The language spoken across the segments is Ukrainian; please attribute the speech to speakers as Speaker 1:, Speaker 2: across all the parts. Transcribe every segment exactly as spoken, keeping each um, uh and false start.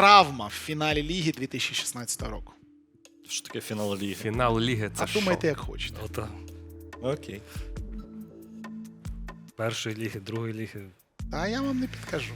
Speaker 1: травма в фіналі Ліги дві тисячі шістнадцятого року?
Speaker 2: Що таке фінал ліги?
Speaker 3: Фінал ліги це
Speaker 1: А
Speaker 3: що?
Speaker 1: думайте, як хочете.
Speaker 4: Ота.
Speaker 2: Окей.
Speaker 4: Першої ліги, другої ліги.
Speaker 1: А я вам не підкажу.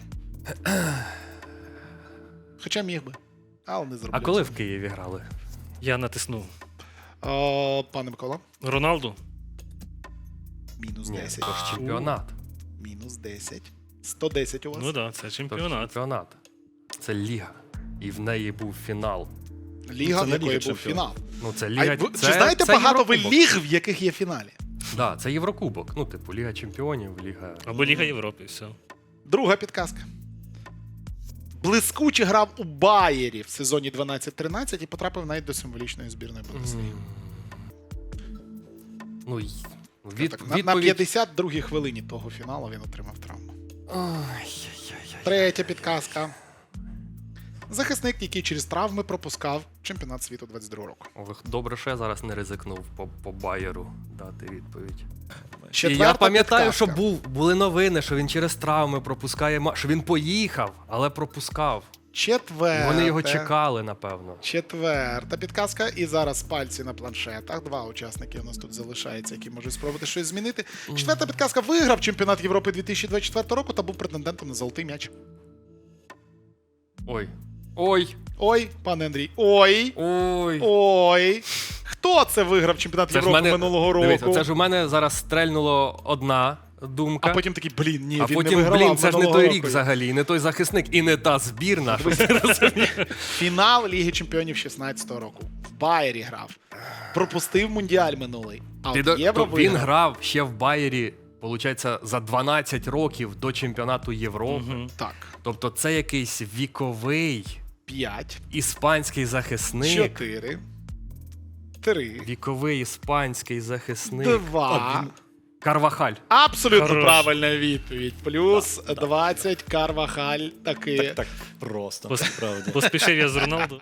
Speaker 1: Хоча міг би, але не зроблю.
Speaker 3: А коли
Speaker 1: цього.
Speaker 3: в Києві грали?
Speaker 4: Я натиснув.
Speaker 1: О, пане Микола,
Speaker 4: Роналду?
Speaker 1: мінус
Speaker 3: Ні,
Speaker 1: десять.
Speaker 3: це ж чемпіонат.
Speaker 1: Мінус десять. сто десять у вас.
Speaker 4: Ну так, да, це
Speaker 3: Це ж
Speaker 4: чемпіонат.
Speaker 3: чемпіонат. Це ліга. І в неї був фінал.
Speaker 1: Ліга,
Speaker 2: Це
Speaker 1: в
Speaker 2: не
Speaker 1: якої
Speaker 2: Ліга
Speaker 1: був фінал.
Speaker 3: Ну, це
Speaker 1: А
Speaker 3: ліга.
Speaker 1: ви,
Speaker 3: це,
Speaker 1: чи знаєте
Speaker 3: це
Speaker 1: багато ви
Speaker 3: Єврокубок.
Speaker 1: ліг, в яких є фіналі?
Speaker 3: Да, це Єврокубок. Ну, типу, Ліга Чемпіонів, Ліга.
Speaker 4: Або Ліга Європи, все.
Speaker 1: Друга підказка. Блискуче грав у Байері в сезоні дванадцять тринадцять і потрапив навіть до символічної збірної Бундесліги.
Speaker 3: Ну, й- від,
Speaker 1: Так, на, на
Speaker 3: відповідь...
Speaker 1: п'ятдесят другій хвилині того фіналу він отримав травму.
Speaker 3: Ай-яй-яй-яй.
Speaker 1: Третя підказка. Захисник, який через травми пропускав чемпіонат світу двадцять другого року.
Speaker 3: О, ви добре, що я зараз не ризикнув по, по Байеру дати відповідь.
Speaker 1: Четверта
Speaker 3: І я пам'ятаю,
Speaker 1: підказка.
Speaker 3: що був, були новини, що він через травми пропускає, ма- що він поїхав, але пропускав.
Speaker 1: Четверта.
Speaker 3: Вони його чекали, напевно.
Speaker 1: Четверта підказка. І зараз пальці на планшетах. Два учасники у нас тут залишаються, які можуть спробувати щось змінити. Четверта підказка. Виграв чемпіонат Європи дві тисячі двадцять четвертого року та був претендентом на золотий м'яч.
Speaker 3: Ой. Ой.
Speaker 1: Ой, пане Андрій. Ой.
Speaker 3: Ой.
Speaker 1: Ой. Хто це виграв чемпіонат
Speaker 3: Це ж
Speaker 1: Європи
Speaker 3: мене,
Speaker 1: минулого року?
Speaker 3: дивіться, це ж у мене зараз стрельнуло одна думка.
Speaker 1: А потім такий, блін, ні,
Speaker 3: А
Speaker 1: він
Speaker 3: потім,
Speaker 1: не вигравав
Speaker 3: блін, це ж не
Speaker 1: минулого
Speaker 3: той
Speaker 1: року.
Speaker 3: рік взагалі, і не той захисник, і не та збірна.
Speaker 1: Фінал Ліги Чемпіонів шістнадцятого року. В Байері грав. Пропустив Мундіаль минулий. А
Speaker 3: Ти
Speaker 1: от
Speaker 3: до-
Speaker 1: Євро
Speaker 3: то він
Speaker 1: виграв.
Speaker 3: грав ще в Байері, виходить, за дванадцять років до чемпіонату Європи.
Speaker 4: Мгм.
Speaker 1: Так.
Speaker 3: Тобто це якийсь віковий
Speaker 1: П'ять.
Speaker 3: іспанський захисник.
Speaker 1: Чотири. Три.
Speaker 3: Віковий іспанський захисник.
Speaker 1: Два.
Speaker 3: Карвахаль.
Speaker 1: Абсолютно
Speaker 4: Хорош.
Speaker 1: правильна відповідь. Плюс двадцять Карвахаль таки.
Speaker 2: Так просто,
Speaker 4: Пос-
Speaker 2: насправді.
Speaker 4: Поспішив я з Роналду.